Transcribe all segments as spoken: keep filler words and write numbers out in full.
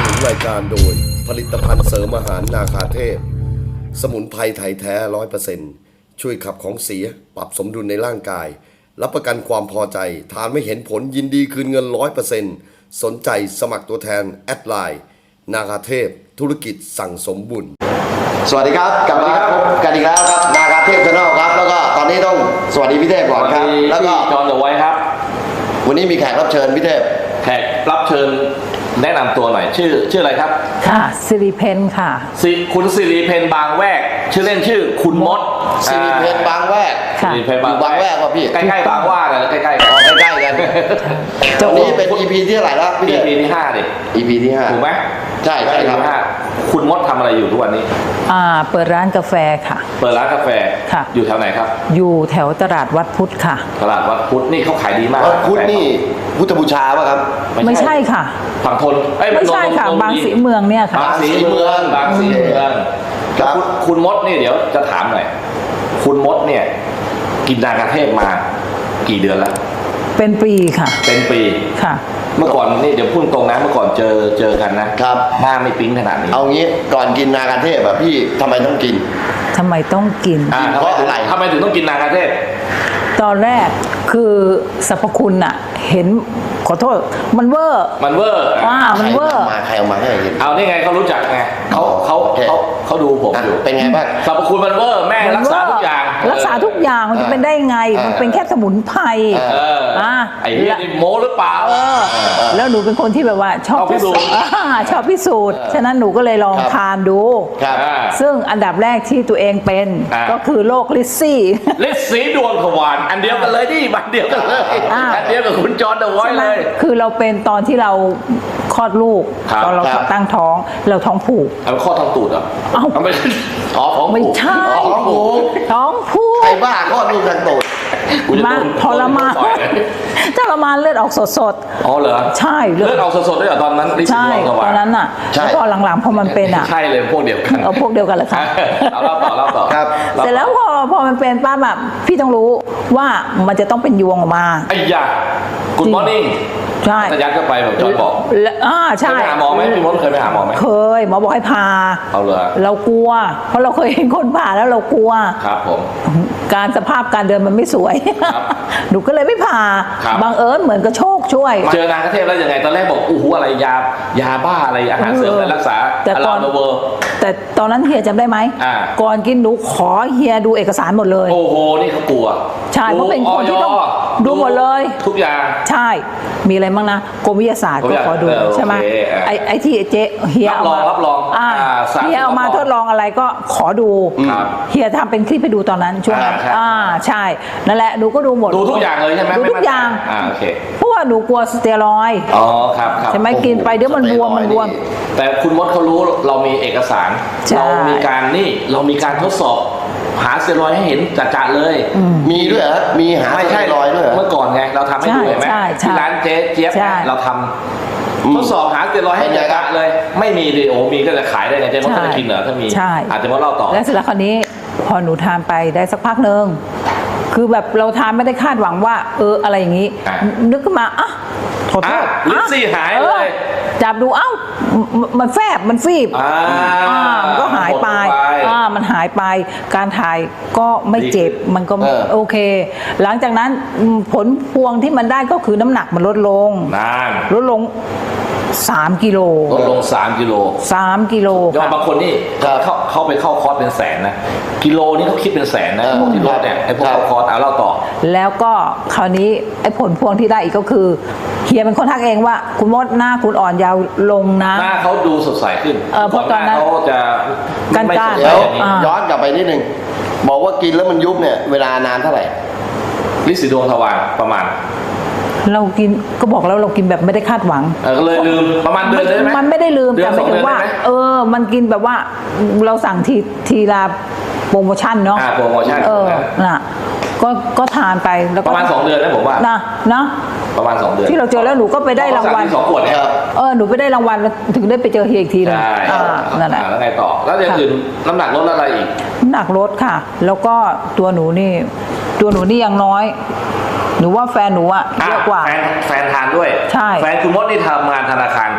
นุนรายการโดยผลิตภัณฑ์เสริมอาหารนาคาเทพสมุนไพรไทยแท้ ร้อยเปอร์เซ็นต์ ช่วยขับของเสียปรับสมดุลในร่างกายรับประกันความพอใจทานไม่เห็นผลยินดีคืนเงิน ร้อยเปอร์เซ็นต์ สนใจสมัครตัวแทนแอดไลน์นาคาเทพธุรกิจสั่งสมบุญสวัสดีครับกลับมาพบกันอีกแล้วครับนาคาเทพชาแนลครับแล้วก็ตอนนี้ต้องสวัสดีพี่เทพก่อนครับแล้วก็จอห์นเดอะไวท์ครับวันนี้มีแขกรับเชิญพี่เทพแขกรับเชิญแนะนำตัวหน่อยชื่อชื่ออะไรครับค่ะสิริเพนค่ะสิคุณสิริเพนบางแวกชื่อเล่นชื่อคุณมดสิริเพนบางแวกสิริเพนบางแวกว่าพี่ใกล้ๆบางว่ากันใกล้ๆกันอ๋อใกล้ๆกันวันนี้เป็น อี พี ที่เท่าไหร่แล้วพี่อี พี ที่ห้าดิอี พี ที่ห้าถูกไหมใช่ใช่ครับคุณมดทำอะไรอยู่ทุกวันนี้อ่าเปิดร้านกาแฟค่ะเปิดร้านกาแฟค่ะอยู่แถวไหนครับอยู่แถวตลาดวัดพุทธค่ะตลาดวัดพุทธนี่เขาขายดีมากวัดพุทธนี่พุทธบูชาป่ะครับไม่ใช่ค่ะฝั่งทนไม่ใช่ค่ะบางสีเมืองเนี่ยค่ะบางสีเมืองบางสีเมืองครับคุณมดนี่เดี๋ยวจะถามหน่อยคุณมดเนี่ยกินนาคาเทพมากี่เดือนแล้วเป็นปีค่ะเป็นปีค่ะเมื่อก่อนนี่เดี๋ยวพูดตรงนะเมื่อก่อนเจอเจอกันนะครับหน้าไม่ปิ๊งขนาดนี้เอางี้ก่อนกินนาคาเทพอะพี่ทำไมต้องกินทำไมต้องกินเพราะอะไรทำไมถึงต้องกินนาคาเทพตอนแรกคือสรรพคุณอะเห็นขอโทษมันเวอร์มันเวอร์อ่ามันเวอร์มาใครเอามาให้กินเอานี่ไงเขารู้จักไงเขาเขาเขาเขาดูผมอยู่เป็นไงบ้างสรรพคุณมันเวอร์แม่รักษาทุกอย่างรักษาทุกอย่างมันจะเป็นได้ไงมันเป็นแค่สมุนไพรอ่าไอ้นี่โม้หรือเปล่าแล้วหนูเป็นคนที่แบบว่าชอบพิสูจน์ชอบพิสูจน์ฉะนั้นหนูก็เลยลองทานดูซึ่งอันดับแรกที่ตัวเองเป็นก็คือโรคลิซซี่ลิซซี่ดวงทวารอันเดียวกันเลยดิบันเดียวกันเลยอันเดียวกับคุณจอห์นเดอะไวท์เลยคือเราเป็นตอนที่เราคลอดลูกตอนเราตั้งท้องเราท้องผูกเอาคลอดท้องตูดอ่ะเอ้าไม่อ๋อท้องไม่ใช่ท้องผูกท้องผูกใครบ้าคลอดลูกท้องตูดมาทรมานทรมานเลือดออกสดๆอ๋อเหรอใช่เลือดออกสดๆด้วยเหรอตอนนั้นใช่ตอนนั้นอ่ะแล้วพอหลังๆพอมันเป็นอ่ะใช่เลยพวกเดียวกันเอาพวกเดียวกันเลยค่ะเอาเล่าต่อเล่าต่อครับเสร็จแล้วพอพอมันเป็นป้าแบบพี่ต้องรู้ว่ามันจะต้องเป็นยวงออกมาไอ้ยาGood morning ใช่จะยัดเข้าไปแบบจอห์นบอกอ่าใช่เคยไปหาหมอไหมพี่มดเคยไปหาหมอไหมเคยหมอบอกให้พาเอาเลยเรากลัวเพราะเราเคยเห็นคนผ่าแล้วเรากลัวครับผมการสภาพการเดินมันไม่สวยหนูก็เลยไม่ผ่าบังเอิญเหมือนกับโชคช่วยเจอนาคาเทพแล้วยังไงตอนแรกบอกอู้หูอะไรยายาบ้าอะไรอาหารเสริมอะไรรักษาแต่ตอนแต่ตอนนั้นเฮียจำได้ไหมก่อนกินหนูขอเฮียดูเอกสารหมดเลยโอ้โหนี่เขากลัวใช่เพราะเป็นคนที่ต้องดูหมดเลยทุกอย่างใช่มีอะไรบ้างนะกรมวิทยาศาสตร์ก็ขอดูใช่ไหมไอ้ไอ้ที่เจ๊เฮียเอามารับรองเฮียเอามาทดลองอะไรก็ขอดูเฮียทำเป็นคลิปไปดูตอนนั้นช่วงนั้นอ่าใช่นั่นแหละหนูก็ดูหมดดูทุกอย่างเลยใช่ไหมดูทุกอย่างอ่าโอเคเพราะว่าหนูกลัวสเตียรอยด์อ๋อครับครับใช่ไหมกินไปเดี๋ยวมันบวมมันบวมแต่คุณมดเขารู้เรามีเอกสารเรามีการนี่เรามีการทดสอบหาสเตียรอยด์ให้เห็นจัดๆเลยมีด้วยเหรอมีหาสเตียรอยด์ด้วยเมื่อก่อนไงเราทำให้ดูเห็นไหมที่ร้านเจ๊เจี๊ยบเราทำทดสอบหาสเตียรอยด์ให้จัดๆเลยไม่มีดิโอมีก็จะขายได้ไงเจ๊มดก็จะกินเหรอถ้ามีอาจจะมาเล่าต่อแล้วเสร็จแล้วคราวนี้พอหนูทานไปได้สักพักนึงคือแบบเราทานไม่ได้คาดหวังว่าเอออะไรอย่างนี้นึกขึ้นมาอ่ะขอโทษลิซซี่หายเลยจับดูเอ้ามันแฟบมันฟีบอ่ามันก็หายไปอ่ามันหายไปการถ่ายก็ไม่เจ็บมันก็โอเคหลังจากนั้นผลพวงที่มันได้ก็คือน้ำหนักมันลดลงลดลงสามกิโลลดลงสามกิโลสามกิโลยอดบางคนนี่เขาเขาไปเข้าคอร์สเป็นแสนนะกิโลนี่เขาคิดเป็นแสนนะพวกที่ลดเนี่ยไอ้พวกเข้าคอร์สเอาเล่าต่อแล้วก็คราวนี้ไอ้ผลพวงที่ได้อีกก็คือเฮียเป็นคนทักเองว่าคุณมดหน้าคุณอ่อนยาวลงนะหน้าเขาดูสดใสขึ้นเออเพราะตอนนั้นเขาจะกันก้านแล้วย้อนกลับไปนิดนึงบอกว่ากินแล้วมันยุบเนี่ยเวลานานเท่าไหร่ลิซซี่ดวงทวารประมาณเรากินก็บอกแล้วเรากินแบบไม่ได้คาดหวังเออก็เลยลืมประมาณเดือนได้ไหมมันไม่ได้ลืมแต่หมายถึงว่าเออมันกินแบบว่าเราสั่งทีทีละโปรโมชั่นเนาะอ่าโปรโมชั่นเออน่ะก็ก็ทานไปแล้วประมาณสองเดือนนะผมว่านะนะประมาณสองเดือนที่เราเจอแล้วหนูก็ไปได้รางวัลสองขวดเนี่ยเออหนูไปได้รางวัลถึงได้ไปเจอเฮียอีกทีเลยอ่านั่นแหละแล้วไงต่อแล้วอย่างอื่นน้ำหนักลดอะไรอีกน้ำหนักลดค่ะแล้วก็ตัวหนูนี่ตัวหนูนี่ยังน้อยหนูว่าแฟนหนูอะเยอะกว่าแฟนแฟนทานด้วยใช่แฟนคุณมดนี่ทำงานธนาคาร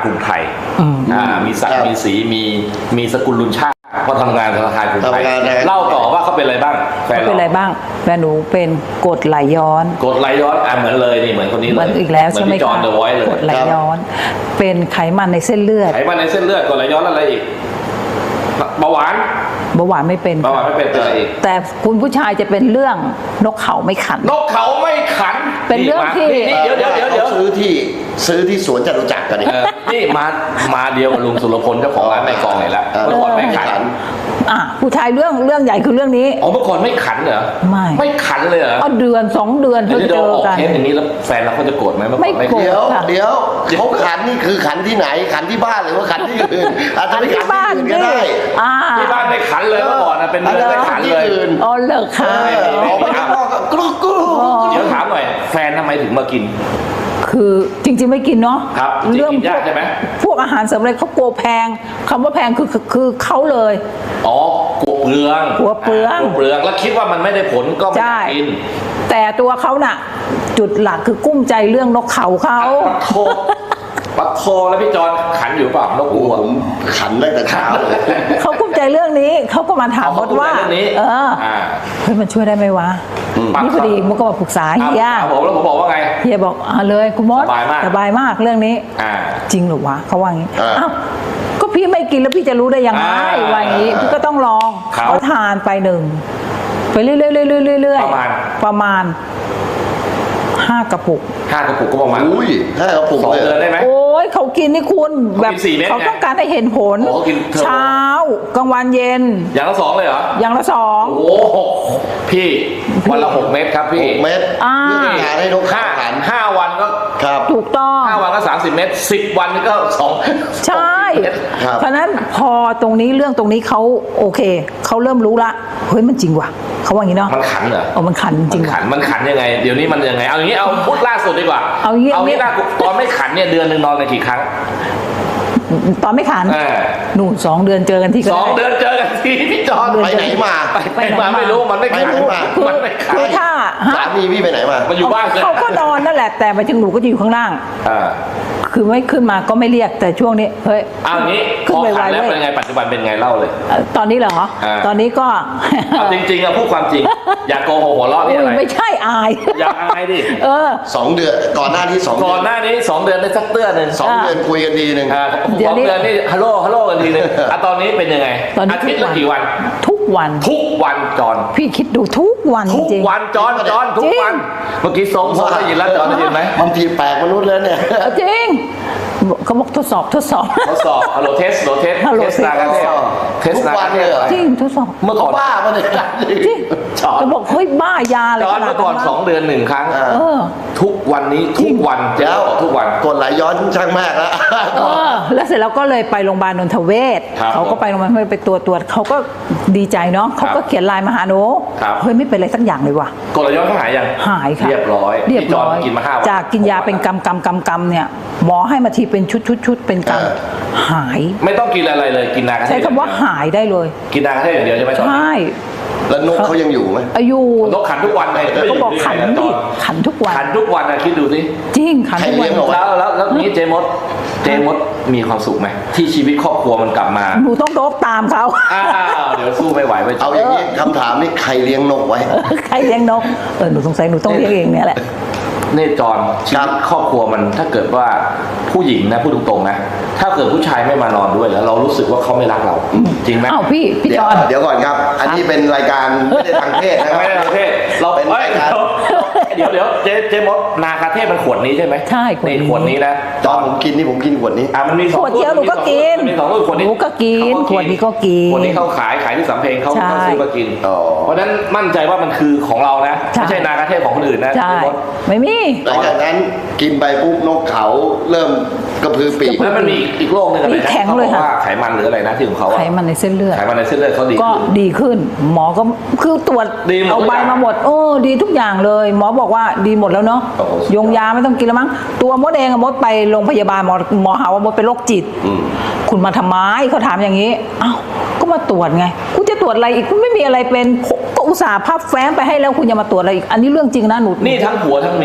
กรุงไทยอืมอ่ามีศักครัดิ์บมีสีมีมีสกุลลุนชาติเพราะทำงานธนาคารกรุงไทยทำงานนะเล่าต่อว่าเขาเป็นอะไรบ้างแฟนเป็นอะไรบ้างแฟนหนูเป็นกรดไหลย้อนกดไหลย้อนอ่ะเหมือนเลยนี่เหมือนคนนี้เหเลมือย นอีกแล้วใช่ไหมจอห์นคะเดอะไวท์เลยกรดไหลย้อน เป็นไขมันในเส้นเลือดไขมันในเส้นเลือดกดไหลย้อนอะไรอีกเบาหวานเบาหวานไม่เป็นเบาหวานไม่เป็นอะไรอีกแต่คุณผู้ชายจะเป็นเรื่องนกเขาไม่ขันนกเขาไม่ขันเป็นเรื่องที่นี่นี่เดี๋ยวเดี๋ยวเดี๋ยวเดี๋ยวขาซื้อที่ซื้อที่สวนจตุจักรกันนี่เออนี่มามาเดียวกับลุงสุรพลเจ้าของร้านแม่กลองเลยละเออเมื่อก่อนไม่ขันอ่ะผู้ชายเรื่องเรื่องใหญ่คือเรื่องนี้อ๋อเมื่อก่อนไม่ขันเหรอไม่ไม่ขันเลยเหรอเอาเดือนสองเดือนเดี๋เพิ่ยวงจะเจอกันออกเทปอย่างนี้แล้วแฟนเราเขาจะโกรธไหมเมื่อก่อนไม่โกรธเดี๋ยวค่ะเดี๋ยวเขาขันนี่คือขันที่ไหนขันที่บ้านหรือว่าขันที่อื่นอาจจะไปขันที่อื่นก็ได้อ่าที่บ้านไม่ขันเลยเมื่อก่อนนะเป็นเรื่องไม่ขันเลยที่อื่นอ๋อเลิกค่ะเออออกไปข้างนอกก็กรุ๊กกรุ๊กเดี๋ยวถามหน่อยแฟนทำไมถึงมากินคือจริงๆไม่กินเนาะครับจริงๆเรื่องกินพยาว กกใช่ไหมพวกอาหารเสริมอะไรเขากลัวแพงคำว่าแพงคือคือคือเขาเลยอ๋อกลัวเปลืองกลัวเปลืองกลัวเปลืองแล้วคิดว่ามันไม่ได้ผลก็ไม่ใช่กินแต่ตัวเขาน่ะ จุดหลักคือกุ้มใจเรื่องนกเขาเขาปัดโทปัดโทแล้วพี่จอนขันอยู่เปล่านกโอ้อูโหอะผมขันตั้งแต่เช้าเลยเขากุ้มใจเรื่องนี้เขาก็มาถามมดว่าเรื่องนี้เอออ่าเฮ้ยมันช่วยได้ไหมวะปัดนี่พอดีมดก็มาปรึกษาเฮียเอาผมแล้วผมบอกว่าไงเฮียบอกเอาเลยคุณมดสบายมากสบายมากเรื่องนี้อ่าจริงเหรือวะเขาว่างี้อ่าอ้าวก็พี่ไม่กินแล้วพี่จะรู้ได้ยังไงอ่าว่าอย่างนี้พี่ก็ต้องลองครับเขาทานไปหนึ่งไปเรื่อยๆเรื่อยๆเรื่อยๆประมาณประมาณห้ากระปุกห้ากระปุกก็ประมาณอุ้ยห้ากระปุกสองเลยเดือนได้ไหมโอ้ยเขากินนี่คุณแบบเขากินสี่เม็ดเขาต้องการให้เห็นผลโอ้เขากินเทอร์โบเช้ากลางวันเย็นอย่างละสองเลยเหรออย่างละสองโอ้โหพี่วันละหกเม็ดครับพี่หกเม็ดอ่าเพื่อเป็นการให้นกห้าเขาขันห้าวันก็ครับถูกต้องห้าวันก็สามสิบเม็ดสิบวันก็สองใช่สองเม็ดครับเพราะฉะนั้นพอตรงนี้เรื่องตรงนี้เขาโอเคเขาเริ่มรู้ละเฮ้ยมันจริงว่ะเขาว่าอย่างนี้เนาะมันขันเหรอเออมันขันจริงมันว่ะขันมันขันยังไง เดี๋ยวนี้มันยังไง เอาอย่างนี้เอาพูดล่าสุดดีกว่าเอาอย่างนี้เอางี้ล่าสุดตอนไม่ขันเนี่ยเดือนหนึ่งนอนกันกี่ครั้งตอนไม่ขันเออหนูสองเดือนเจอกันที่ก็สองได้เดือนเจอกันทีพี่จอนไปไหนมาไปไหนมาไม่รู้มันไม่ไปขันไหนมาคือมันไม่ขันคือถ้าฮะสามีพี่ไปไหนมามันอยู่บ้านเลยเขาก็นอนนั่นแหละแต่ไปถึงหนูก็จะอยู่ข้างล่างอ่าคือไม่ขึ้นมาก็ไม่เรียกแต่ช่วงนี้เฮ้ยเอาอย่างนี้พขึ้นอไปขัไวนแล้วเว้เป็นยไงปัจจุบันเป็นไงเล่าเลยเอ่อตอนนี้เหรออ่าตอนนี้ก็เอาจริงๆอะพูดความจริง อย่าโกหกหัวเราะนี่อุ้อะไรยไม่ใช่อายอย่าอายดิเออสองเดือนก่อนหน้านี้สองเดืก่อนหน้านี้สองเดือนได้สักเตื้อหนึ่งสองเดือนคุยกันทีหนึ่งอ่าเดี๋สยวองนี้เดือนนี่ฮัลโหลฮัลโหลกันทีนึงอ่ะตอนนี้เป็นยังไงตอนนี้อาทิตย์ละกี่วันทุกวันทุกวันจอนพี่คิดดูทุกวันทุกจริงวันจอนจอนทุกวัน เมื่อกี้ทรงทรงได้ยินแล้วจอนได้ยินไหมบางทีแปลกมนุษย์แล้วเนี่ยเอาจริงเขาบอกทดสอบทดสอบทดสอบฮัลโหลเทสโหลเทสฮัลโหลเทสนาการเทสเทสทุกนาวัการนเทเลยสเหรอจริงทดสอบเมื่อก่อนบ้าปะเนี่ยจริงจอนเขาบอกเฮ้ยบ้ายาอะไรจอนขนาดเมื่อก่อนนั้นสองเดือนหนึ่งครั้งเออทุกวันนี้ทุกวันเดี๋ยวทุกวันกดไหลย้อนช่างมากแล้วเออแล้วเสร็จแล้วก็เลยไปโรงพยาบาลนนทเวศครับเขาก็ไปโรงพยาบาลนนทเวศไปตรวจตรวจเขาก็ดีใจเนาะเขาก็เขียนไลน์มาหาหนูครับเฮ้ยไม่เป็นไรสักอย่างเลยว่ะกดไหลย้อนเขาหายยังหายค่ะเรียบร้อยเรียบพี่จร้อนอยกินมาห้าวันจากกินยาเป็นกำกำกำกำเนี่ยหมอให้มาทีเป็นชุดชุดชุดเป็นกเออำหายไม่ต้องกินอะไรเลยกินนากาเทศใช้คำว่าหายได้เลยกินนากาเทศอย่างเดียวใช่ไหมจอนใช่แล้วนกเขายังอยู่ไหมอายุนกขันทุกวันเลยก็บอกขันดิขันทุกวันขันทุกวันนะคิดดูสิจริงขันทุกใครเลี้วัยนงเอาไว้แล้วแล้วแล้วนี้เจมดเจมดมีความสุขไหมที่ชีวิตครอบครัวมันกลับมาหนูต้องโดบตามเขาอ้าวเดี๋ยวสู้ไม่ไหวไปเอาอย่างนี้คำถามนี้ใครเลี้ยงนกไว้ใครเลี้ยงนกเออหนูสงสัยหนูต้องเลี้ยงเองเนี่ยแหละเนตรจรชีวิตครอบครัวมันถ้าเกิดว่าผู้หญิงนะพูดตรงๆนะถ้าเกิดผู้ชายไม่มานอนด้วยแล้ว เรารู้สึกว่าเขาไม่รักเราจริงไหมอ้าวพี่พี่เดี๋จยวอนเดี๋ยวก่อนครับ อันนี้เป็นรายการไม่ได้ทางเพศนะครับไม่ได้ประเทศเราเป็นอ้ยรายการเดี๋ยวเดี๋ยวเจเจมดนาคาเทศมันขวดนี้ใช่ไหมใช่ขวดนี้นี่ขวดนี้นะตอนผมกินนี่ผมกินขวดนี้อ่ะมันมีสองขวดเดียวหนูก็กินมันมีสองรุ่นขวดนี้หนูก็กินเขาขวดนี้ก็กินขวดนี้เขาขายขายที่สำเพ็งเขาใช่เขาซื้อมากินอ๋อเพราะฉะนั้นมั่นใจว่ามันคือของเรานะใช่ไม่ใช่นาคาเทศของคนอื่นนะใช่เจมดไม่มีหลังจากนั้นกินไปปุ๊บนกเขาเริ่มกระพือปีกแล้วมันมีอีกโรคหนึงอะไรมีนะแข็งเขาเลบยอกค่ะว่าไขมันหรืออะไรนะที่ของเขาอะไขมันในเส้นเลือดไขมันในเส้นเลือดเขาดีก็ขึ้นดีขึ้น หมอก็คือตรวจดีหมดเอาทุกใบอย่างมาหมดโอ้ดีทุกอย่างเลย หมอบอกว่าดีหมดแล้วเนาะโอ้โหยงยาไม่ต้องกินแล้วมั้งตัวมดเองอะมดไปโรงพยาบาลหมอหมอหาว่ามดเป็นโรคจิตอืมคุณมาทำไมเขาถามอย่างนี้อ้าวก็มาตรวจไงคุณจะตรวจอะไรอีกคุณไม่มีอะไรเป็นก็อุตส่าห์พับแฟ้มไปให้แล้วคุณยังมาตรวจอะไรอีกอันนี้เรื่องจริงนะหนูนี่ทั้งผัวทั้งเมีย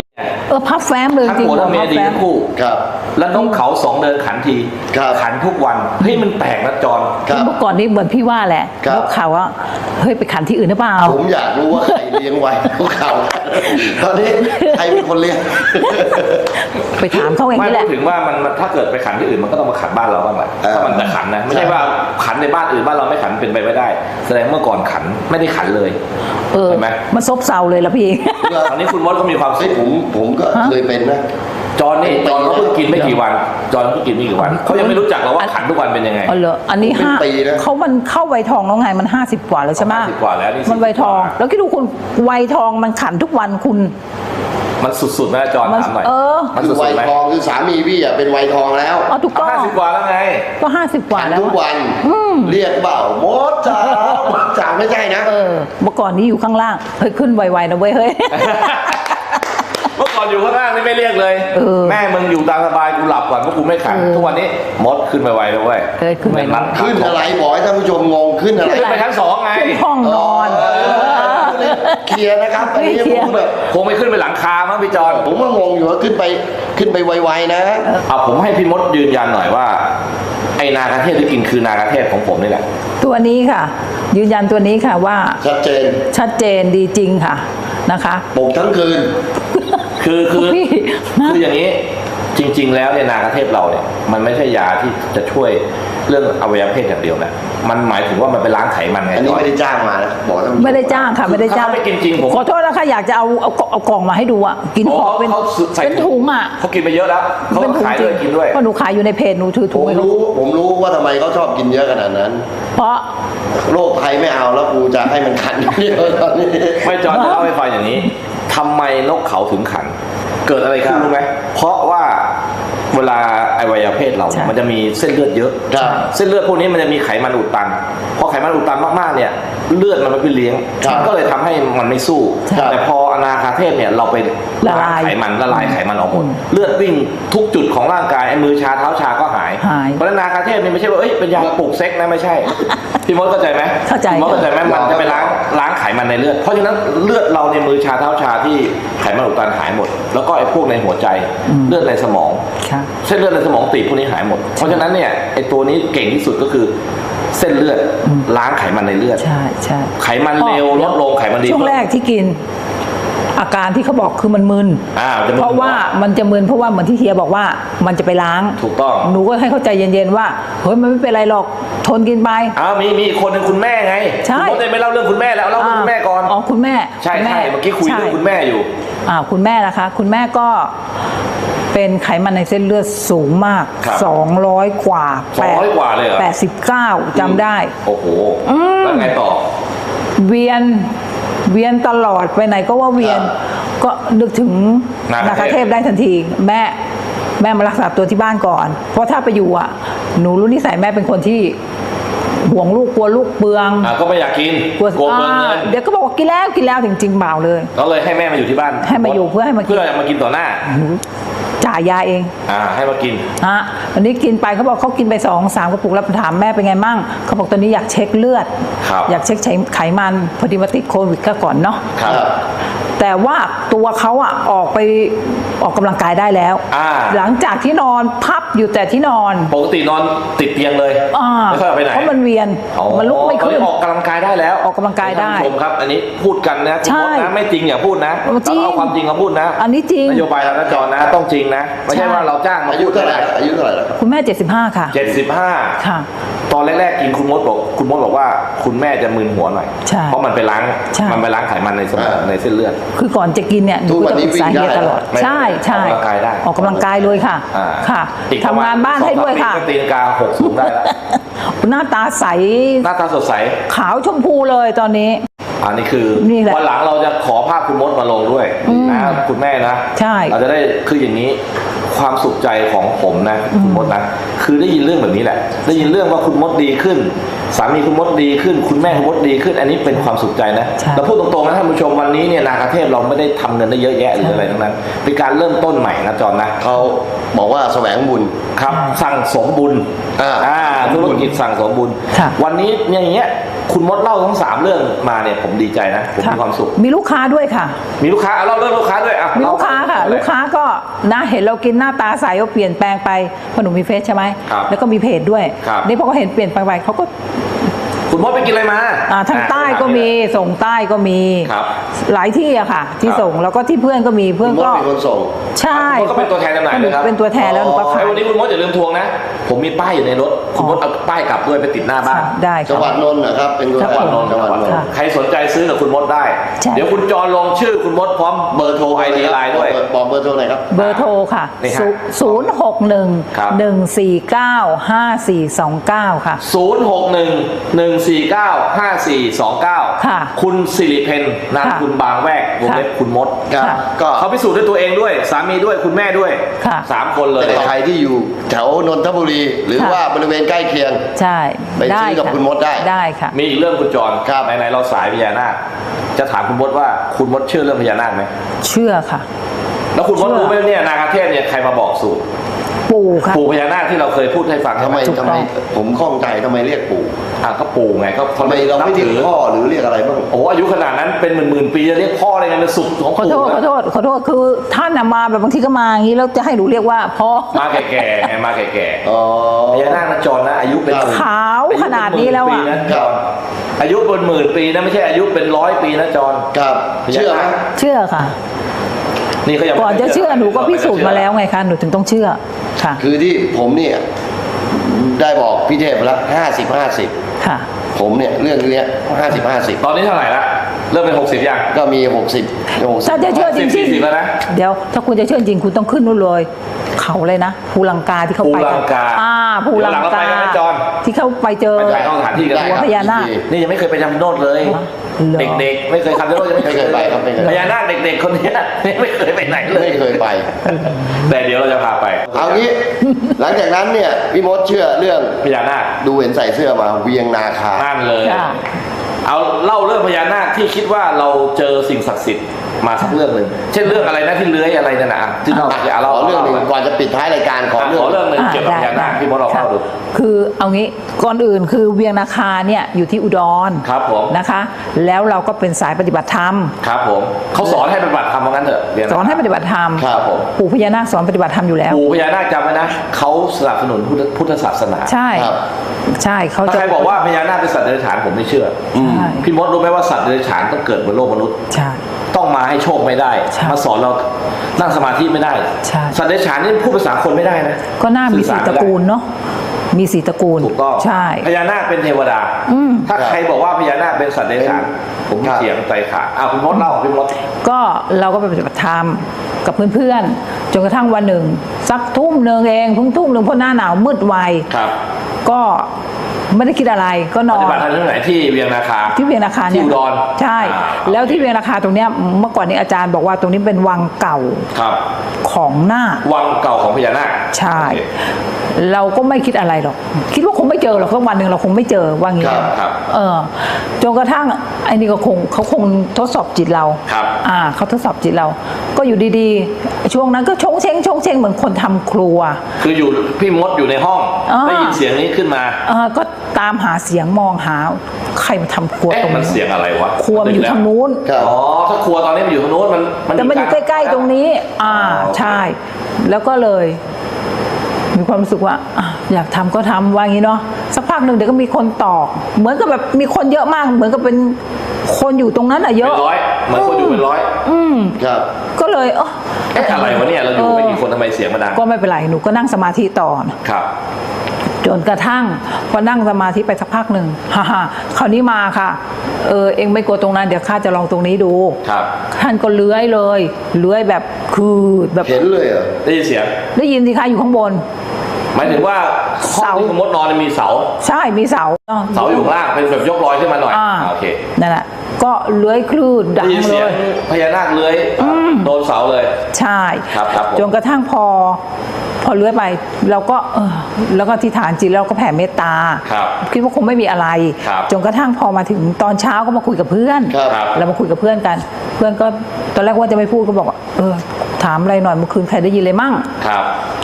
เออพับแฟ้มเลยทั้งจริงหัวทั้งเมียดีทั้งคู่ครับแล้วนกเขาสองเดินขันทีครับขันทุกวันเฮ้ยมันแปลกนะจอนครับเมื่อก่อนนี้เหมือนพี่ว่าแหละครับนกเขาว่าเฮ้ยไปขันที่อื่นหรือเปล่าผมอยากรู้ว่าใครเลี้ยงไว้พวกเขาตอนนี้ใครเป็นคนเลี้ยงไปถามเขาเองไม่นี่แหพูละดถึงว่ามันมันถ้าเกิดไปขันที่อื่นมันก็ต้องมาขันบ้านเราบ้างแหละเออถ้ามันจะขันนะไม่ใช่ว่าขันในบ้านอื่นบ้านเราไม่ขันเป็นไปไม่ได้ แสดงเมื่อก่อนขันไม่ได้ขันเลยเออเห็นไหมมันซบเซาเลยละพี่ตอนนี้คุณมดก็มีความสุเฮ้ยขผมผมก็เคยเป็นนะจอนนี่จอนเขาเพิ่งกินไม่กี่วันจอนเขาเพิ่งกินไม่กี่วันเขายังไม่รู้จักหรอกว่าขันทุกวันเป็นยังไงอ๋อเหรออันนี้เป็นห้าปีนะเขามันเข้าวัยทองแล้วไงมันห้าสิบกว่าแล้วใช่ไหมห้าสิบกว่าแล้วนี่มันวัยทองสิบกว่าแล้วคิดดูคุณวัยทองมันขันทุกวันคุณมันสุดๆนะจอนมันถามหน่อยเออมันคือสุวัดยๆไหมทองคือสามีพี่อ่ะเป็นวัยทองแล้วเอาถูกต้องห้าสิบกว่าแล้วไงก็ห้าสิบกว่าแล้วทุกอะวันเรียกเปล่ามดจ๋ามดจ๋าไม่ใช่นะเออเมื่อก่อนนี้อยู่ข้างล่างเฮ้ยขึ้นไวๆนะเว้ยเฮ้ยเมื่อก่อนอยู่ข้างล่างนี่ไม่เรียกเลยเออแม่มึงอยู่ตามสบายกูหลับก่อนเพราะกูไม่ขันเออทุกวันนี้มดขึ้นไปไวเลยเว้ยเออขึ้นไปม่รัดขึ้นอะไรบอกให้ท่านผู้ชมงงขึ้นอะไรขึ้นไปชั้นสองไงขึ้นห้องนอนเออเคลียร์นะครับอันนี้เคลียร์ผมแบบคงไม่ขึ้นไปหลังคามั้งพี่จอนผมว่างงอยู่ว่าขึ้นไปขึ้นไปไวๆนะเอาผมให้พี่มดยืนยันหน่อยว่าไอ้นากาเทศที่กินคือนากาเทศของผมนี่แหละตัวนี้ค่ะ ยืนยันตัวนี้ค่ะว่าชัดเจนชัดเจนดีจริงค่ะนะคะปลุกทั้งคืนคือคือพี่คืออย่างนี้จริง ๆ แล้วเนี่ยนากาเทศเราเนี่ยมันไม่ใช่ยาที่จะช่วยเรื่องอวัยวะเพศอย่างเดียวนะมันหมายถึงว่ามันไปล้างไขมันไงอันนี้จอนไม่ได้จ้างมานะบอกท่านผู้ชไม่ได้จ้างค่ะไม่ได้จ้างถ้าไม่กินจริงผมขอโทษนะคะอยากจะเอาเอาเอากล่องมาให้ดูอ่ะกินโอ้หอบเป็นเขาใส่เป็นถุงอ่ะเขากินไปเยอะแล้วเขาเป็นถุงขายจด้ริวยงกินด้วยเพราะหนูขายอยู่ในเพจหนูถือผถุงมให้เขารู้ผมรู้ว่าทำไมเขาชอบกินเยอะขนาดนั้นเพราะโรคภัยไม่เอาแล้วกูจะให้มันขันอย่างเดียวตอนนี้ไม่จอนจะเล่าให้ฟังอย่างนี้ทำไมนกเขาถึงขัน เกิดอะไรขึ้นรู้ไหมเพราะว่าเวลาอวัยวะเพศเราเนี่ยมันจะมีเส้นเลือดเยอะครับเส้นเลือดพวกนี้มันจะมีไขมันอุดตันพอไขมันอุดตันมากๆเนี่ยเลือดมันไม่ไปเลี้ยงครับมันก็เลยทำให้มันไม่สู้ครับแต่พออนาคาเทศเนี่ยเราไปละลายไขมันละลายไขมันออกหมดเลือดวิ่งทุกจุดของร่างกายไอ้มือชาเท้าชาก็หายหายเพราะฉะนั้นนาคาเทศนี่ไม่ใช่ว่าเอ้ยเป็นยาปลุกเซ็กนะไม่ใช่พี่มดเข้าใจไหมเข้าใจพี่มดเข้าใจไหมมันจะไปล้างล้างไขมันในเลือดเพราะฉะนั้นเลือดเราในมือชาเท้าชาที่ไขมันอุดตันหายหมด แล้วก็ไอ้พวกในหัวใจเลือดในสมองค่ะเส้นเลือดในสมองตีบพวกนี้หายหมด เพราะฉะนั้นเนี่ยไอ้ตัวนี้เก่งที่สุดก็คือเส้นเลือดล้างไขมันในเลือดใช่ใช่ไขมันเร็วลดลงไขมันดีช่วงขึ้นแรกที่กิน อาการที่เขาบอกคือมันมึนอ่าจะมึนเพราะว่ามันจะมึนเพราะว่าเหมือนที่เฮียบอกว่ามันจะไปล้างถูกต้องหนูก็ให้เข้าใจเย็นๆว่าเฮ้ยมันไม่เป็นไรหรอกทนกินไปอ้าวมีมีอีกคนหนึงคุณแม่ไงใช่คุณมดเลยไม่เล่าเรื่องคุณแม่แล้วเล่าเรื่องคุณแม่ก่อนอ๋อคุณแม่ใช่ณใช่เมื่อกี้คุยเรื่องคุณแม่อยู่อ่าคุณแม่นะคะ คุณแม่ก็เป็นไขมันในเส้นเลือดสูงมากครับสองร้อยกว่าสองร้อยกว่าเลยเหรอแปดสิบเก้าจำได้โอ้โหแล้วไงต่อเวียนเวียนตลอดไปไหนก็ว่าเวียน ก็นึกถึงนานาคาคาเทเทพพได้ทันที แม่แม่มารักษาตัวที่บ้านก่อน เพราะถ้าไปอยู่อ่ะ หนูรู้นิสัยแม่เป็นคนที่ห่วงลูกกลัวลูกเปลืองอ่าก็ไม่อยากกินกลัวกลัวเปลืองเงิอ่าน เดี๋ยวก็บอกว่ากินแล้วกินแล้วจริงๆเปล่าเลยก็เลยให้แม่มาอยู่ที่บ้านให้มาอยู่เพื่อให้มากินเพื่อมากินต่อหน้าจ่ายยาเองอ่าให้มากินฮะวันนี้กินไปเขาบอกเขากินไปสองสามกระปุกแล้วถามแม่เป็นไงมั่งเขาบอกตอนนี้อยากเช็คเลือดครับอยากเช็คไขมันพอดีมาติดโควิดก็ก่อนเนาะครับแต่ว่าตัวเขาอะออกไปออกกำลังกายได้แล้วอ่าหลังจากที่นอนพับอยู่แต่ที่นอนปกตินอนติดเตียงเลยอ่าไม่ค่อยออกไปไหนเพราะมันเวียนอ๋อมันลุกไม่ขึ้นออกกำลังกายได้แล้วออกกำลังกายได้ท่นผู้ชมครับ อันนี้พูดกันนะคุณใช่มดนะไม่จริงอย่าพูดนะจริงเราเอาความจริงมาพูดนะอันนี้จริงนโยบายเราหน้าจอนะต้องจริงนะไม่ใช่ใช่ว่าเราจ้างมาอายุพูดเท่าไหร่อายุเท่าไหร่แล้วครับคุณแม่เจ็ดสิบห้าค่ะเจ็ดสิบห้าค่ะตอนแรกๆกินคุณมดบอกคุณมดบอกว่าคุณแม่จะมึนหัวหน่อยใช่เพราะมันไปล้างใช่มันไปล้างไขมันในสมองอ่าในเส้นเลือดคือก่อนจะกินเนี่ยหนูก็จะปรึกษาเฮียตลอดไม่ใช่ใช่ออกกำลังกายได้ออกกำลังกายเลยค่ะอ่าค่ะอีกประทำมณงานบ้านให้ด้วยค่ะสองสามปีก็ตีนกาหกสูงได้แล้วหน้าตาใสหน้าตาสดใสขาวชมพูเลยตอนนี้อันนี้คือนี่แหละวันหลังเราจะขอภาพคุณมดมาลงด้วยนะคุณแม่นะใช่เราจะได้คืออย่างนี้ความสุขใจของผมนะคุณมดนะคือได้ยินเรื่องแบบนี้แหละ ได้ยินเรื่องว่าคุณมดดีขึ้น สามีคุณมดดีขึ้น คุณแม่คุณมดดีขึ้น อันนี้เป็นความสุขใจนะใช่เราพูดตรงๆนะท่านผู้ชมวันนี้เนี่ยนาคาเทพเราไม่ได้ทำเงินได้เยอะแยะหรืออะไรทั้งนั้นเป็นการเริ่มต้นใหม่นะจอนนะเขาบอกว่าแสวงบุญครับสั่งสมบุญอ่าธุรกิจสั่งสมบุญค่ะวันนี้อย่างเงี้ยคุณมดเล่าทั้งสามเรื่องมาเนี่ยผมดีใจนะผมมีความสุขมีลูกค้าด้วยค่ะมีลูกค้าเอาเล่าเรื่องลูกค้าด้วยอ่ะมีลูกค้าค่ะ ลูกค้าก็นะเห็นเรากินหน้าตาใสก็เปลี่ยนแปลงไปเพราะหนูมีเฟซใช่ไหมครับแล้วก็มีเพจด้วยครับนี่พอเขาเห็นเปลี่ยนแปลงไปเขาก็คุณมดไปกินอะไรมาอ่าทางใต้ก็มีส่งใต้ก็มีครับหลายที่อะค่ะ ที่ครับส่งแล้วก็ที่เพื่อนก็มีเพื่อนคุณมดก็เป็นคนส่งใช่คุณมดก็เป็นตัวแทนจำหน่ายเลยครับเป็นตัวแทนแล้วหนูก็ขาไอ้ยวันนี้คุณมดอย่าลืมทวงนะ ผมมีป้ายอยู่ในรถ คุณมดเอาป้ายกลับด้วยไปติดหน้าบ้านได้จังหวัค่ะดนนท์นะครับ เป็นตัวจัแทงหวัดนนท์จังหวัดนนท์ค่ะใครสนใจซื้อกับคุณมดได้ใช่เดี๋ยวคุณจรลงชื่อคุณมดพร้อมเบอร์โทรไอดีไลน์ด้วยบอกเบอร์โทรหน่อยครับเบอร์โทรค่ะนี่ฮะศูนย์หกหนึ่งครับหนึ่งสี่เก้าห้าสี่สองเก้าค่ะศูนย์ หก หนึ่ง หนึ่ง สี่ เก้า ห้า สี่ สอง เก้าค่ะคุณสิริเพนนามค่ะคุณบางแวกวงเล็บค่ะคุณมดครับค่ะก็เขาพิสูจน์ด้วยตัวเองด้วย สามีด้วยคุณแม่ด้วยค่ะสามคนเลยแต่ใครที่อยู่แถวนนทบุรี หรือค่ะว่าบริเวณใกล้เคียงใช่ไปซื้อกับะคุณมดได้ได้ค่ะมีอีกเรื่องคุณจรครับไหนๆเราสายพญานาคจะถามคุณมดว่าคุณมดเชื่อเรื่องพญานาคไหมเชื่อค่ะแล้วคุณมดเชื่อรู้ไหมเนี่ยนาคาเทพเนี่ยใครมาบอกสูตรปู่ค่ะปู่พญานาคที่เราเคยพูดให้ฟังทำไมถูกต้ทำองไมผมข้องใจทำไมเรียกปู่อ่ะก็ปู่ไงก็ทำไมเราไม่เรียกพ่อหรือเรียกอะไรบ้างโอ้อายุขนาดนั้นเป็นหมื่นหมื่นๆปีจะเรียกพ่ออะไรกันเป็นสุดของขอปู่โทษขอนะโทษขอโทษคือท่านน่ะมาแบบบางทีก็มาอย่างนี้แล้วจะให้หนูเรียกว่าพ่อมาแก่ๆไงมาแก่อ๋อๆพญานาคนะจรนะอายุเป็นหมื่นขาวขนาดนี้แล้วอะายุเป็นหมื่นปีนะจรอายุเป็นหมื่นปีนะไม่ใช่อายุเป็นร้อยปีนะจรครับ เชื่อไหมเชื่อค่ะนี่เขายังไม่ก่อนจะเชื่อหนูก็พิสูจน์มาแล้วไงคะหนูถึงต้องเชื่อค่ะคือที่ผมเนี่ยได้บอกพี่เทพไปแล้วห้าสิบห้าสิบค่ะผมเนี่ยเรื่องเนี้ยห้าสิบห้าสิบตอนนี้เท่าไหร่ละเริ่มเป็นหกสิบยังก็มีหกสิบหกสิบถ้าจะเชื่อจริงสี่สิบแล้วนะๆเดี๋ยวถ้าคุณจะเชื่อจริงคุณต้องขึ้นนู่นเลย เขาเลยนะภูลังกาที่เขาไปภูลังกาอ่าภูลังเดี๋ยวหลังเรากาไปกันไหมจอนที่เขาไปเจอไปถ่ายทอดสถานที่กันได้หัวครับพญานาคนี่ยังไม่เคยไปทำโนดเลยเหรอเด็กๆ ไม่เคยทำโนดยังไม่ไม่เคยไปครับไม่เคยพญานาคเด็กๆคนเนี้ยไม่เคยไปไหนเลยไม่เคยไปแต่เดี๋ยวเราจะพาไปเอางี้ หลังจากนั้นเนี่ยพี่มดเชื่อเรื่องพญานาคดูเห็นใส่เสื้อมาเวียงนาคานั่นเลยค่ะเอาเล่าเรื่องพญานาคที่คิดว่าเราเจอสิ่งศักดิ์สิทธิ์มาสักเรื่องหนึ่งเช่นเรื่องอะไรนะที่เลื้อยอะไรนั่นนะอ่ะที่เราอ่ะอยากขเล่าอเรื่องหนึ่งาก่อนจะปิดท้ายรายการขออ่ะเรื่ของอเรื่องหนึ่งเกี่ยวกับพญานาคที่มดเราเล่าดูคือเอางี้ก่อนอื่นคือเวียงนาคาเนี่ยอยู่ที่อุดรครับผมนะคะ แล้วเราก็เป็นสายปฏิบัติธรรมครับผมเขาสอนให้ปฏิบัติธรรมว่างั้นเถอะเรียสอนให้ปฏิบัติธรรมครับผมปู่พญานาคสอนปฏิบัติธรรมอยู่แล้วปู่พญานาคจำไว้นะเขาสนับสนุนพุทธพุทธศาสนาใช่ครับใช่เขาถ้าจะใครบอกว่าพญานาคเป็นสัตว์เดรัจฉานผมไม่เชื่ออใช่พี่มดรู้ไหมว่าสัตว์เดรัจฉานต้องเกิดบนโลกมนุษย์ใช่ต้องมาให้โชคไม่ได้ใช่มาสอนเรานั่งสมาธิไม่ได้ใช่สัตว์เดรัจฉานนี่พูดภาษาคนไม่ได้นะก็น่ามีสีตระกูลเนาะมีสีตระกูลถูกต้องใช่พญานาคเป็นเทวดาอืมถ้าใครบอกว่าพญานาคเป็นสัตว์เดรัจฉานผมครับเถียงใจขาดอ่ะคุณมดเล่าพี่มดก็เราก็ไปปฏิบัติธรรมกับเพื่อนๆจนกระทั่งวันหนึ่งสักทุ่มหนึ่งเองเพิ่งทุ่มหนึ่งเพราะหน้าหนาวมืดไวครับก็ไม่ได้คิดอะไรก็นปอฏินบัติธรรมที่ไหนที่เวียงนาคาที่เวียงนาคาเนี่ยที่อุดรใช่อ่าแล้วที่เวียงนาคาตรงเนี้ยเมื่อก่อนนี้อาจารย์บอกว่าตรงนี้เป็นวังเก่าครับของนาควังเก่าของพญานาคใช่โอเคเราก็ไม่คิดอะไรหรอก คิดว่าคงไม่เจอหรอกสักวันหนึ่งเราคงไม่เจอว่างี้ครับครับเออจนกระทั่งไอ้นี่ก็คงเขาคงทดสอบจิตเราครับอ่าเขาทดสอบจิตเรา ก็อยู่ดีๆ ช่วงนั้นก็ชงเชงชงเชงเหมือนคนทำครัวคืออยู่พี่มดอยู่ในห้องอ่าได้ยินเสียงนี้ขึ้นมาเออก็ตามหาเสียงมองหาใครมาทำครัวเอ๊ะตรงมันนี้เสียงอะไรวะครัวมันอยู่ทางนู้นครับอ๋อถ้าครัวตอนนี้มันอยู่ทางนู้นมันแต่มันอยู่ใกล้ๆตรงนี้ อ่า ใช่ แล้วก็เลย มีความรู้สึกว่าอ่ะอยากทำก็ทำว่างี้เนาะ สักพักหนึ่งเดี๋ยวก็มีคนตอก เหมือนกับแบบมีคนเยอะมาก เหมือนกับเป็นคนอยู่ตรงนั้นอะเยเป็อะนร้อยเหมือนคนอยู่เป็นร้อยอืมครับก็เลยเออเอ๊ะอะไรวะเนี่ยเราอยู่ไม่กี่คนทำไมเสียงมันดังก็ไม่เป็นไร หนูก็นั่งสมาธิต่อนะครับจนกระทั่งพอนั่งสมาธิไปสักพักหนึ่งฮ่าฮ่าคราวนี้มาค่ะ เออเองไม่กลัวตรงนั้นเดี๋ยวข้าจะลองตรงนี้ดูครับท่านก็เลื้อยเลยเลื้อยแบบคือแบบเห็นเลยเหรอได้ยินเสียงได้ยินสิคะอยู่ข้างบนหมายถึงว่าห้องเสาที่คุณมดนอนเนี่ยมีเสาใช่มีเสาเสาอยู่ข้างล่างเป็นแบบยกลอยขึ้นมาหน่อยอ่าโอเคนั่นแหละก็เลื้อยคลื่นดัได้งยินเลเสียงยพญานาคเลื้อยโดนเสาเลยใช่ครับครับผมจนกระทั่งพอ พอเลื้อยไปเราก็เออแล้วก็ที่ฐานจิตเราก็แผ่เมตตาครับคิดว่าคงไม่มีอะไรครับจนกระทั่งพอมาถึงตอนเช้าก็มาคุยกับเพื่อนครับครับเรามาคุยกับเพื่อนกัน เพื่อนก็ตอนแรกว่าจะไม่พูดก็บอกว่าเออถามอะไรหน่อยเมื่อคืนใครได้ยินเลยมั่งครับ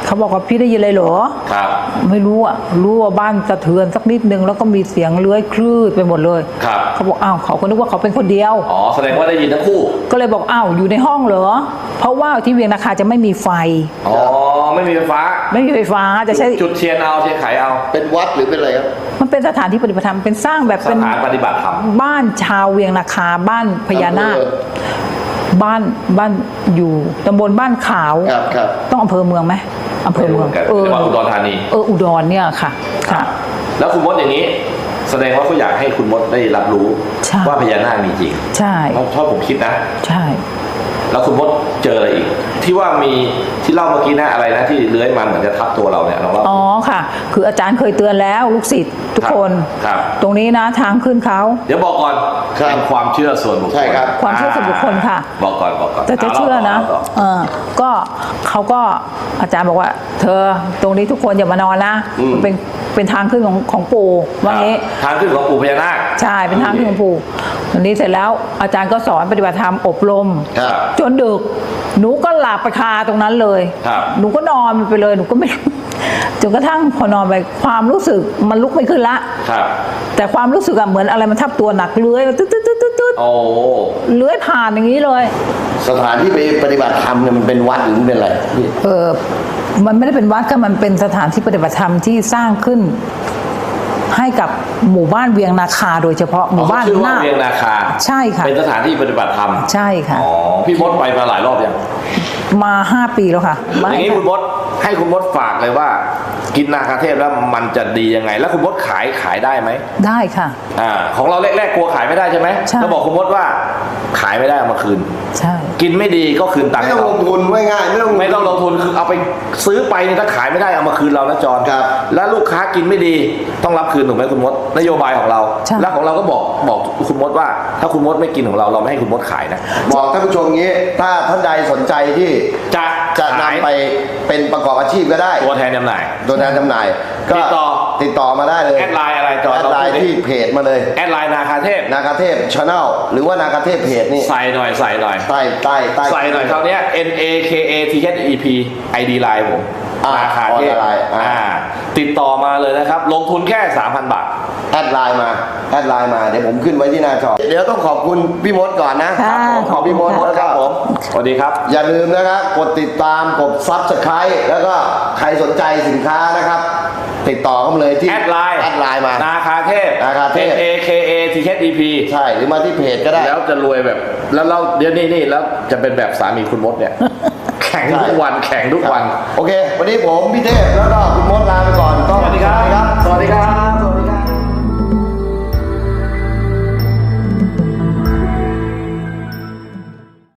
เขาบอกว่าพี่ได้ยินอะไรเหรอครับไม่รู้อ่ะรู้ว่าบ้านสะเทือนสักนิดนึงแล้วก็มีเสียงเลื้อยคลืดไปหมดเลยครับเขาบอกอ้าวเขาก็นึกว่าเขาเป็นคนเดียวอ๋อแสดงว่าได้ยินทั้งคู่ก็เลยบอกอ้าวอยู่ในห้องเหรอเพราะว่าที่เวียงนาคาจะไม่มีไฟอ๋อไม่มีไฟฟ้าไม่มีไฟฟ้าจะใช้จุดเทียนเอาเทียนไขเอาเป็นวัดหรือเป็นอะไรครับมันเป็นสถานที่ปฏิบัติธรรมเป็นสร้างแบบสเป็นถานปฏิบัติธรรมบ้านชาวเวียงนาคาบ้านพญานาคอำเภอบ้านบ้านอยู่ตำบลบ้านขาวครับครับต้องอำเภอเมืองไหมอำเภอเมืองไม่รู้เหมือนกันเออจังหวัดอุดรธานีเอออุดรเนี่ยค่ะค่ะแล้วคุณมดอย่างนี้ แสดงว่าเขาอยากให้คุณมดได้รับรู้ใช่ว่าพญานาคมีจริงใช่เพราะเพราะผมคิดนะใช่แล้วคุณมดเจออะไรอีก ที่ว่ามีที่เล่าเมื่อกี้นะอะไรนะที่เลื้อยมาเหมือนจะทับตัวเราเนี่ยลองเล่าอ๋อค่ะ คืออาจารย์เคยเตือนแล้วลูกศิษย์ทุกคนครับตรงนี้นะทางขึ้นเขาเดี๋ยวบอกก่อนครับเป็นความเชื่อส่วนบุคคลใช่ครับความเชื่อส่วนบุคคลค่ะบอกก่อนบอกก่อนแต่จะเชื่อนะาล่าต่อเออก็เขาก็อาจารย์บอกว่า เธอตรงนี้ทุกคนอย่ามานอนนะอืมมันเป็นเป็นทางขึ้นของของปู่ว่างี้ทางขึ้นของปู่พญานาคใช่เป็นทางขึ้นของปู่วันนี้เสร็จแล้วอาจารย์ก็สอนปฏิบัติธรรมอบรมครับจนดึก หนูก็หลับไปคาตรงนั้นเลยครับหนูก็นอนไปเลยหนูก็ไม่ จนกระทั่งพอนอนไปความรู้สึกมันลุกไม่ขึ้นละครับแต่ความรู้สึกอะเหมือนอะไรมันทับตัวหนักเลื้อยตึ๊ดตึ๊ดตึ๊ดตึ๊ดตึ๊ดโอ้เลื้อยผ่านอย่างนี้เลยสถานที่ไปปฏิบัติธรรมเนี่ยมันเป็นวัดหรือมันเป็นอะไรพี่เออมันไม่ได้เป็นวัดก็มันเป็นสถานที่ปฏิบัติธรรมที่สร้างขึ้น ให้กับหมู่บ้านเวียงนาคาโดยเฉพาะหมู่บ้านชื่อหว่าน้าเวียงนาคาใช่ค่ะเป็นสถานที่ปฏิบัติธรรมใช่ค่ะอ๋อพี่มดไปมาหลายรอบยังมาห้าปีแล้วค่ะอย่างนี้คุณมดให้คุณมดฝากเลยว่า กินนาคาเทพแล้วมันจะดียังไง แล้วคุณมดขายขายได้ไหมได้ค่ะอ่าของเราแรกๆกลัวขายไม่ได้ใช่ไหมใช่เราบอกคุณมดว่าขายไม่ได้เอามาคืนใช่กินไม่ดีก็คืนตังค์ไม่ให้ต้องลเรางทุนไม่ง่ายไม่ต้องไม่ต้องลงทุนคือเอาไปซื้อไปเนี่ยถ้าขายไม่ได้เอามาคืนเรานะจอนครับแล้วลูกค้ากินไม่ดีต้องรับคืนถูกไหมคุณมดนโยบายของเราใช่แล้วของเราก็บอกบอกคุณมดว่า ถ้าคุณมดไม่กินของเราเราไม่ให้คุณมดขายนะบอกท่านผู้ชมงี้ ถ้าท่านใดสนใจที่จะจะขายนำไปเป็นประกอบอาชีพก็ได้ตัวแทนจำหน่ายตัวแทนจำหน่ายก็ติดต่อติดต่อมาได้เลยแอดไลน์อะไรจอแอดไลน์เราพูดดิที่เพจมาเลยแอดไลน์นาคาเทพนาคาเทพชาแนลหรือว่านาคาเทพเพจนี่ใส่หน่อยใส่หน่อยใต้ใต้ใต้ใส่หน่อยคราวเนี้ย N A K A T H E P ไอ ดี ไลน์ผมอ่านาคาเทพออนไลน์อ่าอ่าติดต่อมาเลยนะครับ ลงทุนแค่ สามพัน บาทแอดไลน์มาแอดไลน์มาเดี๋ยวผมขึ้นไว้ที่หน้าจอเดี๋ยวต้องขอบคุณพี่มดก่อนนะค่ะขอบพี่มดขอบคุณแล้วคก็รับผมสวัสดีครับอย่าลืมนะครับกดติดตามกดซับสไครต์แล้วก็ใครสนใจสินค้านะครับ ติดต่อเข้ามาเลยที่แอดไลน์แอดไลน์มานาคาเทพนาคาเทพ N A K A T H E P ใช่หรือมาที่เพจก็ได้แล้วจะรวยแบบ แล้วเราเดี๋ยวนี้นี่แล้วจะเป็นแบบสามีคุณมดเนี่ย แข่งทุกวันแข่งทุกวันโอเค วันนี้ผมพี่เทพแล้วก็คุณมดลาไปก่อนต้องสวัสดีครับ สวัสดีครับ